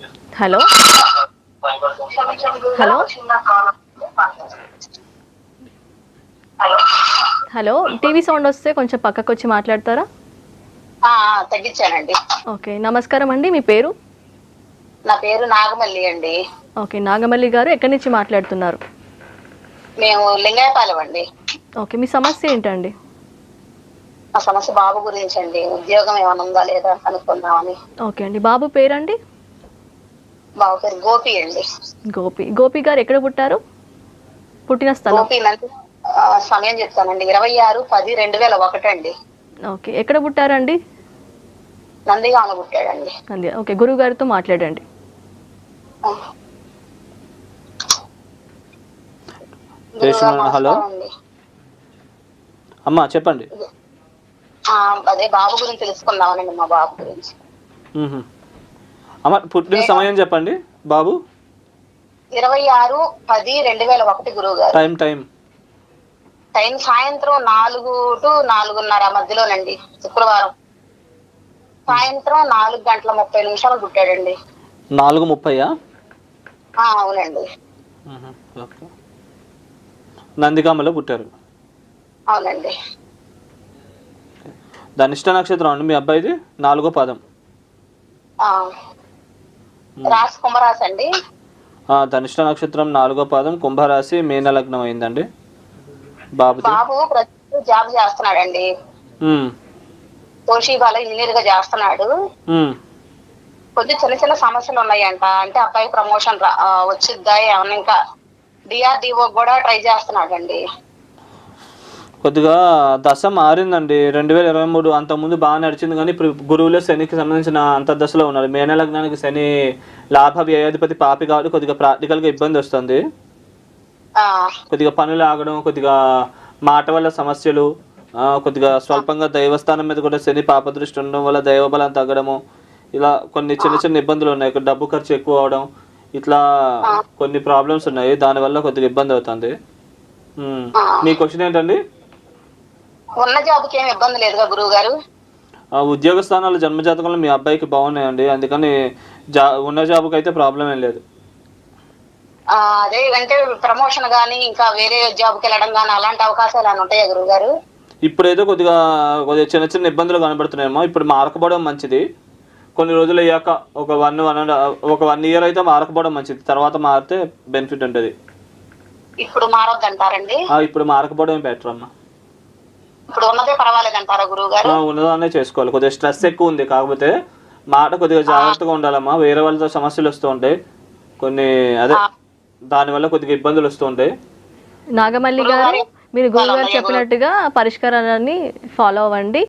Hello hello hello TV sound వస్తే కొంచెం పక్కకు వచ్చి మాట్లాడతారా? తగ్గించానండి. ఓకే, నమస్కారం అండి. మీ పేరు? నా పేరు నాగమల్లి అండి. ఓకే, నాగమల్లి గారు ఎక్కడి నుంచి మాట్లాడుతున్నారు? మేము లింగాయపాలెం అండి. ఓకే, మీ సమస్య ఏంటండి? మా సమస్య బాబు గురించి అండి. ఉద్యోగం ఏమైనా ఉందా లేదా కనుక్కుందామని. ఓకే అండి, బాబు పేరండి? బాబు పేరు గోపి అండి. గోపి. గోపి గారు ఎక్కడ పుట్టారు? పుట్టిన స్థలం? గోపి సమయం చెప్తానండి. 26/10/2001 అండి. ఓకే, ఎక్కడ పుట్టారండి? నందిగామ పుట్టాడండి. ఓకే, గురువు గారితో మాట్లాడండి. హలో అమ్మా, చెప్పండి. అదే బాబు గురించి తెలుసుకుందామనండి. మా బాబు గురించి. అమ్మ, పుట్టిన సమయం చెప్పండి. బాబు 26/10/2001 గురువు గారు. టైం సాయంత్రం 4 to 4:30 మధ్యలోనండి. శుక్రవారం సాయంత్రం 4:30 పుట్టాడండి. 4:30? అవునండి. నందిగామలో పుట్టారు. అవునండి. ధనిష్ట నక్షత్రం అండి మీ అబ్బాయిది? 4వ పాదం. రాశి కుంభరాశి అండి. ధనిష్ట నక్షత్రం 4వ పాదం, కుంభరాశి, మీన లగ్నం అయిందండి బాబు. ప్రస్తుతం జాబ్ చేస్తున్నాడండి. తోషిబాలో ఇంజనీర్ గా చేస్తున్నాడు. కొద్ది చిన్న చిన్న సమస్యలు ఉన్నాయంట. అంటే అబ్బాయి ప్రమోషన్ వచ్చిద్దా ఏమన్నా, ఇంకా డిఆర్డిఓ కూడా ట్రై చేస్తున్నాడండి. కొద్దిగా దశ మారిందండి. 2023 అంతకుముందు బాగా నడిచింది, కానీ ఇప్పుడు గురువులో శనికి సంబంధించిన అంతర్దశలో ఉన్నారు. మేన లగ్నానికి శని లాభ వ్యయాధిపతి పాపి కాబట్టి కొద్దిగా ప్రాక్టికల్గా ఇబ్బంది వస్తుంది. కొద్దిగా పనులు ఆగడం, కొద్దిగా మాట వల్ల సమస్యలు, కొద్దిగా స్వల్పంగా దైవస్థానం మీద కూడా శని పాపదృష్టి ఉండడం వల్ల దైవబలం తగ్గడము, ఇలా కొన్ని చిన్న చిన్న ఇబ్బందులు ఉన్నాయి. డబ్బు ఖర్చు ఎక్కువ అవడం, ఇట్లా కొన్ని ప్రాబ్లమ్స్ ఉన్నాయి. దానివల్ల కొద్దిగా ఇబ్బంది అవుతుంది. మీ క్వశ్చన్ ఏంటండి? ఉన్న జాబ్కి ఏమి ఇబ్బంది లేదుగా గురువు గారు? ఉద్యోగ స్థానాలు జన్మజాతకంలో మీ అబ్బాయికి బాగున్నాయండి. అందుకని ఉన్న జాబ్కి అయితే ప్రాబ్లం ఏం లేదు. అదే అంటే ప్రమోషన్ గానీ ఇంకా వేరే జాబ్కి వెళ్ళడం గానీ అలాంటి అవకాశాలు ఏమైనా ఉంటాయా గురువు గారు? ఇప్పుడైతే కొద్దిగా చిన్న చిన్న ఇబ్బందులు కనబడుతున్నాయేమో. ఇప్పుడు మారకపోవడం మంచిది. కొన్ని రోజులు అయ్యాక ఒక 1 year అయితే మారకపోవడం మంచిది. తర్వాత మారితే బెనిఫిట్ ఉంటుంది. ఇప్పుడు మారొద్దంటారండి? ఇప్పుడు మారకపోవడం బెటర్ అమ్మా. ఇప్పుడు ఉన్నదే పర్వాలేదంటారా గురువు గారు? ఉన్నదాన్నే చేసుకోవాలి. కొద్దిగా స్ట్రెస్ ఎక్కువ ఉంది, కాకపోతే మాట కొద్దిగా జాగ్రత్తగా ఉండాలమ్మా. వేరే వాళ్ళతో సమస్యలు వస్తూ ఉంటాయి కొన్ని, అదే దానివల్ల కొద్దిగా ఇబ్బందులు వస్తూ ఉంటాయి. నాగమల్లి గారు, మీరు గురువు గారు చెప్పినట్టుగా పరిష్కారాన్ని ఫాలో అవ్వండి.